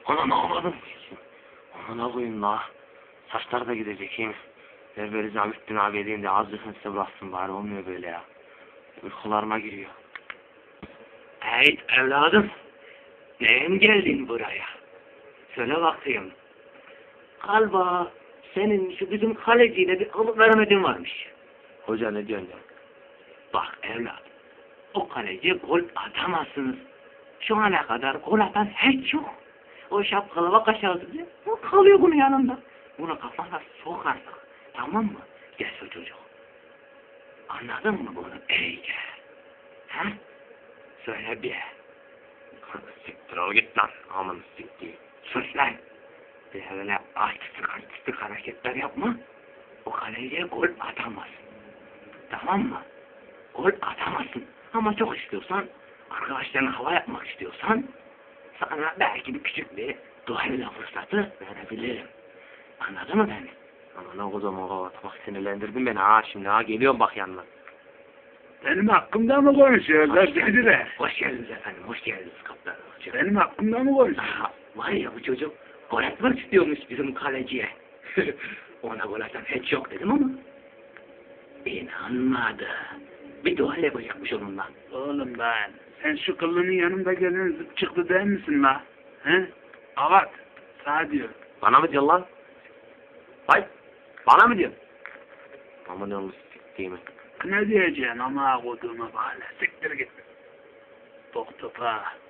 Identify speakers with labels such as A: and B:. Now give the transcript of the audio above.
A: Ana ne yapalım? Ana koyayım la. Saçlar da gidecek iyi mi? Ver Nizamettin abi elinde azıcık size bıraksın bari, olmuyor böyle ya. Uykularıma giriyor. Hey evladım. Neye mi geldin buraya? Söyle bakayım. Galiba senin şu bizim kaleciyle bir alıp veremedin varmış. Hoca ne diyorsun ya? Bak evladım. O kaleci gol atamazsınız. Şu ana kadar gol atan hiç yok. O şapkalı vakaşağısı diye o kalıyor bunun yanında. Bunu kafana sok artık. Tamam mı? Gel şu çocuk. Anladın mı bunu? İyice. Ha? Söyle bir. Siktir ol git lan. Aman siktir. Sus lan. Bir öyle artistik hareketler yapma. O kaleciye gol atamazsın. Tamam mı? Gol atamazsın. Ama çok istiyorsan, arkadaşlarına hava yapmak istiyorsan, sana belki bir küçük bir duayla fırsatı verebilirim. Anladın mı beni? Aman o zaman bak sinirlendirdin beni ha şimdi ha, geliyorum bak yanına.
B: Benim hakkımda mı konuşuyorlar dediler?
A: Hoş geldiniz efendim, hoş geldiniz kaptan.
B: Benim hakkımda mı konuşuyor?
A: Var ya bu çocuk gol atmak istiyormuş bizim kaleciye. Ona gol atan hiç yok dedim ama İnanmadı. Bir dua yapacakmış onunla.
B: Oğlum ben, sen şu kıllının yanımda gelen zıp çıktı değil misin la? He? Avat, sağ diyor.
A: Bana mı diyorsun lan? Hay, bana mı diyorsun? Aman yalnız siktiğimi.
B: Ne diyeceksin ama koduğuma bağlı. Siktir git. Bok topa.